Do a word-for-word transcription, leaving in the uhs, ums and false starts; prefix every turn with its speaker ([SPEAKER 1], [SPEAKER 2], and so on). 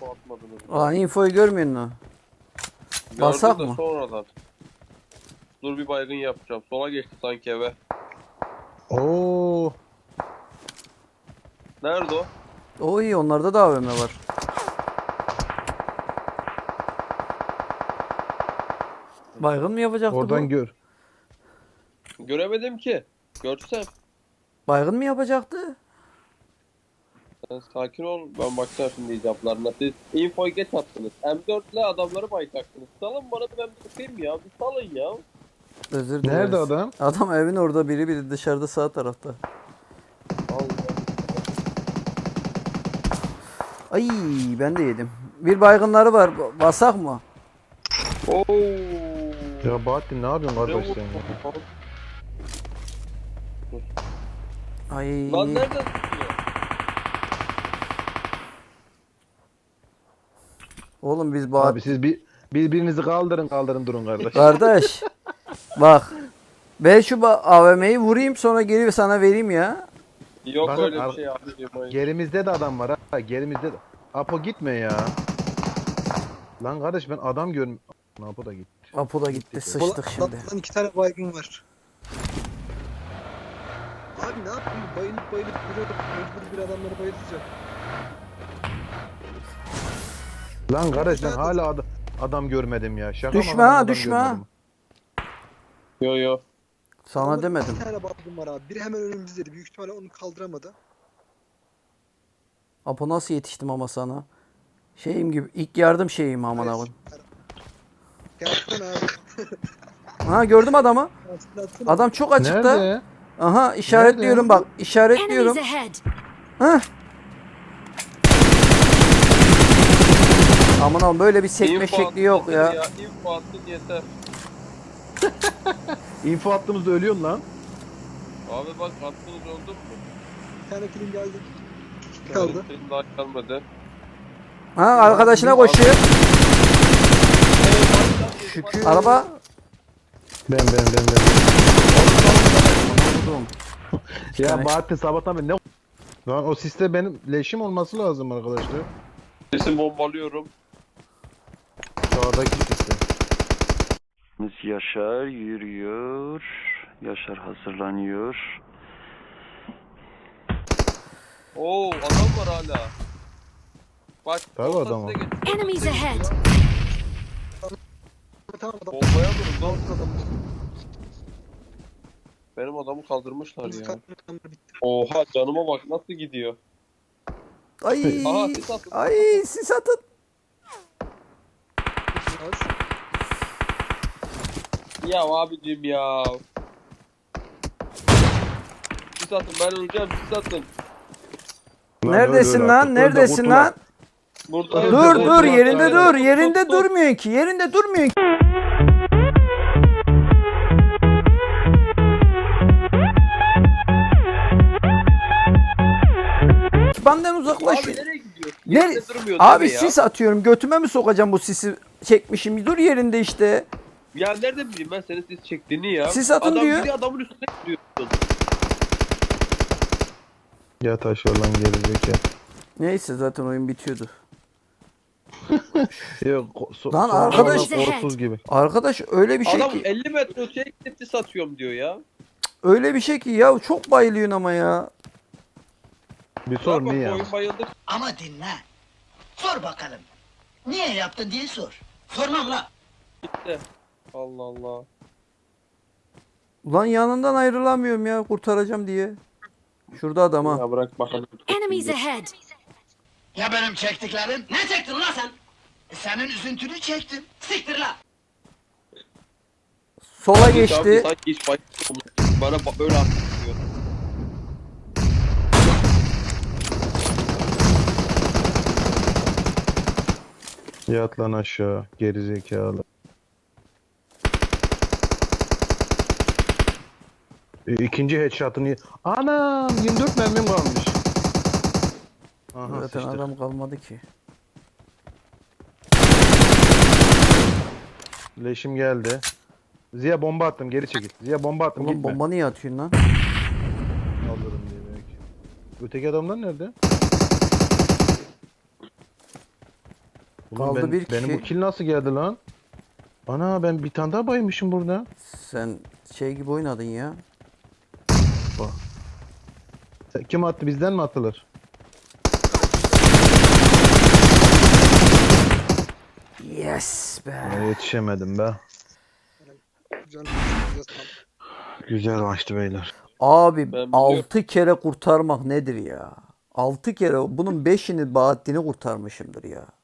[SPEAKER 1] info atmadınız?
[SPEAKER 2] Aa, infoyu görmüyor musun? Basak
[SPEAKER 1] Gördüm de
[SPEAKER 2] mı?
[SPEAKER 1] sonradan. Dur bir baygın yapacağım. Sola geçti sanki eve.
[SPEAKER 3] Oo.
[SPEAKER 1] Nerede o?
[SPEAKER 2] O iyi, onlarda da A V M var. Baygın mı yapacaktı
[SPEAKER 3] Oradan
[SPEAKER 2] bu?
[SPEAKER 3] gör.
[SPEAKER 1] Göremedim ki. Görsem.
[SPEAKER 2] Baygın mı yapacaktı?
[SPEAKER 1] Sen sakin ol. Ben bakacağım şimdi icablarına. Siz infoyu geç attınız. M dört ile adamları baytaktınız. Salın bana ben bir bakayım ya. Bir salın ya.
[SPEAKER 2] Özür dileriz.
[SPEAKER 3] Nerede adam?
[SPEAKER 2] Adam evin orada, biri biri dışarıda sağ tarafta.
[SPEAKER 1] Allah.
[SPEAKER 2] Ay, ben de yedim. Bir baygınları var. ba- Basak mı?
[SPEAKER 1] Oo.
[SPEAKER 3] Ya Bahattin ne yapıyorsun kardeş sen ya?
[SPEAKER 2] Ay.
[SPEAKER 1] Lan nereden tutuyor?
[SPEAKER 2] Oğlum biz Bahat...
[SPEAKER 3] Abi siz bir birbirinizi kaldırın kaldırın durun kardeş.
[SPEAKER 2] Kardeş. Bak. Ben şu ba- A V M'yi vurayım, sonra geri sana vereyim ya.
[SPEAKER 1] Yok
[SPEAKER 3] Bakın,
[SPEAKER 1] öyle bir
[SPEAKER 3] ar-
[SPEAKER 1] şey abicim. hayır.
[SPEAKER 3] Gerimizde de adam var ha. Gerimizde de. Apo gitme ya. Lan kardeş ben adam görm... Apo da gitti.
[SPEAKER 2] Apo da gitti, sıçtık şimdi.
[SPEAKER 4] Lan iki tane baygın var. Abi ne yapayım? Bayılıp bayılıp duruyorum. Mecbur bir adamları bayılacağım.
[SPEAKER 3] Lan kardeş ben hala ad- adam görmedim ya. Şaka mı
[SPEAKER 2] Düşme
[SPEAKER 3] adam
[SPEAKER 2] ha,
[SPEAKER 3] adam
[SPEAKER 2] düşme ha.
[SPEAKER 3] görmedim.
[SPEAKER 1] Yo yo.
[SPEAKER 2] Sana
[SPEAKER 4] Adamların
[SPEAKER 2] demedim.
[SPEAKER 4] İki tane baygın var abi. Biri hemen önümüzdeydi. Büyük ihtimalle onu kaldıramadı.
[SPEAKER 2] Apo nasıl yetiştim ama sana? Şeyim gibi, ilk yardım şeyim aman
[SPEAKER 4] Evet.
[SPEAKER 2] abim.
[SPEAKER 4] Gerçekten abi.
[SPEAKER 2] Ha, gördüm adamı.
[SPEAKER 4] Aslında atsana.
[SPEAKER 2] Adam çok açıkta.
[SPEAKER 3] Nerede?
[SPEAKER 2] Aha, işaretliyorum bak, işaretliyorum.
[SPEAKER 5] Enemies ahead.
[SPEAKER 2] Hah. Aman abim, böyle bir sekme
[SPEAKER 1] İnfo
[SPEAKER 2] şekli
[SPEAKER 1] attın
[SPEAKER 2] yok
[SPEAKER 1] yeter
[SPEAKER 2] ya.
[SPEAKER 1] İnfo attın yeter.
[SPEAKER 3] Info attığımızda ölüyorsun lan.
[SPEAKER 1] Abi bak attınız oldu mu?
[SPEAKER 4] Bir tane film geldi. Kaldı.
[SPEAKER 1] Benim daha kalmadı.
[SPEAKER 2] Ha, arkadaşına koşuyor.
[SPEAKER 1] Şükür.
[SPEAKER 2] Araba.
[SPEAKER 3] Ben ben ben ben.
[SPEAKER 2] Vurdum.
[SPEAKER 3] Ya
[SPEAKER 2] tane.
[SPEAKER 3] Bahattin sabahtan beri ne... Lan o siste benim leşim olması lazım arkadaşlar.
[SPEAKER 1] Sesi bombalıyorum.
[SPEAKER 3] Sağdaki siste.
[SPEAKER 6] Yaşar yürüyor. Yaşar hazırlanıyor.
[SPEAKER 1] Oo adam var hala. Bak.
[SPEAKER 3] Tabii
[SPEAKER 1] orta
[SPEAKER 3] adam
[SPEAKER 1] size
[SPEAKER 3] var.
[SPEAKER 1] geç-
[SPEAKER 5] Enemies ahead.
[SPEAKER 4] Tamam adam.
[SPEAKER 1] Bombaya vurun lan.
[SPEAKER 4] Adam.
[SPEAKER 1] Benim adamı kaldırmışlar
[SPEAKER 4] Biz
[SPEAKER 1] ya.
[SPEAKER 4] katliamlar bitti.
[SPEAKER 1] Oha canıma bak nasıl gidiyor.
[SPEAKER 2] Ay.
[SPEAKER 1] Aha, sis atın.
[SPEAKER 2] Ay, sis atın.
[SPEAKER 4] Az.
[SPEAKER 1] Ya abicim ya. Sis atın ben öleceğim sis atın.
[SPEAKER 3] Lan
[SPEAKER 2] Neredesin
[SPEAKER 3] öl, öl
[SPEAKER 2] lan?
[SPEAKER 3] artık. Öl de
[SPEAKER 2] Neredesin
[SPEAKER 3] kurtul
[SPEAKER 2] lan?
[SPEAKER 3] artık.
[SPEAKER 1] Burada
[SPEAKER 2] Dur
[SPEAKER 1] burada,
[SPEAKER 2] dur,
[SPEAKER 1] burada.
[SPEAKER 2] yerinde
[SPEAKER 1] Aynen.
[SPEAKER 2] dur.
[SPEAKER 1] Tut,
[SPEAKER 2] Yerinde
[SPEAKER 1] tut, tut.
[SPEAKER 2] durmuyor ki. Yerinde durmuyor ki. Benden uzaklaş.
[SPEAKER 1] Abi nereye gidiyorsun?
[SPEAKER 2] Nere-
[SPEAKER 1] Yerinde durmuyor
[SPEAKER 2] Abi
[SPEAKER 1] deme ya.
[SPEAKER 2] sis atıyorum. Götüme mi sokacağım bu sisi? Çekmişim. Dur yerinde işte.
[SPEAKER 1] Ya nerede bileyim ben senin sis çektiğini ya.
[SPEAKER 2] Sis atın
[SPEAKER 1] Adam
[SPEAKER 2] diyor.
[SPEAKER 1] gidiyor adamın üstüne gidiyorsun.
[SPEAKER 3] Ya taş lan gelecek ya.
[SPEAKER 2] Neyse, zaten oyun bitiyordu.
[SPEAKER 3] Yok so
[SPEAKER 2] Lan
[SPEAKER 3] son
[SPEAKER 2] arkadaş-
[SPEAKER 3] anda korsuz gibi.
[SPEAKER 2] Arkadaş öyle bir şey
[SPEAKER 1] Adam
[SPEAKER 2] ki.
[SPEAKER 1] elli metre öteye gidip sis atıyorum diyor ya.
[SPEAKER 2] Öyle bir şey ki ya, çok bayılıyorsun ama ya.
[SPEAKER 3] Bir sor
[SPEAKER 1] Bak,
[SPEAKER 3] niye?
[SPEAKER 1] oyun bayıldık.
[SPEAKER 7] Ama dinle. Sor bakalım. Niye yaptın diye sor. Sormam la.
[SPEAKER 1] Gitti. Allah Allah.
[SPEAKER 2] Ulan yanından ayrılamıyorum ya, kurtaracağım diye. Şurada adam ha.
[SPEAKER 1] Ya bırak bakalım.
[SPEAKER 5] Enemies ahead.
[SPEAKER 7] Ya benim çektiklerim? Ne çektin la sen? E, senin üzüntünü çektim. Siktir la.
[SPEAKER 2] Sola
[SPEAKER 1] Abi,
[SPEAKER 2] geçti.
[SPEAKER 1] sanki hiç bayılmamış. Bana ba- öyle anlatıyor.
[SPEAKER 3] Yat lan aşağı gerizekalı. E, ikinci headshot'ını... Anam yirmi dört mermim kalmış. Aha
[SPEAKER 2] Zaten
[SPEAKER 3] sıçtık.
[SPEAKER 2] adam kalmadı ki.
[SPEAKER 3] Leşim geldi. Ziya bomba attım geri çekil. Ziya bomba attım
[SPEAKER 2] Oğlum
[SPEAKER 3] gitme.
[SPEAKER 2] bomba niye atıyorsun lan?
[SPEAKER 3] Alırım diye belki. Öteki adamlar nerede? Ulan
[SPEAKER 2] Kaldı
[SPEAKER 3] ben-
[SPEAKER 2] bir
[SPEAKER 3] Benim
[SPEAKER 2] kişi.
[SPEAKER 3] bu kill nasıl geldi lan? Ana ben bir tane daha baymışım burada.
[SPEAKER 2] Sen şey gibi oynadın ya.
[SPEAKER 3] Sen- Kim attı, bizden mi atılır?
[SPEAKER 2] Yes be.
[SPEAKER 3] Aa, yetişemedim be.
[SPEAKER 4] Can güzel tamam.
[SPEAKER 3] Güzel maçtı beyler.
[SPEAKER 2] Abi
[SPEAKER 1] Ben biliyorum.
[SPEAKER 2] altı kere kurtarmak nedir ya? altı kere bunun beşini Bahattin'i kurtarmışımdır ya.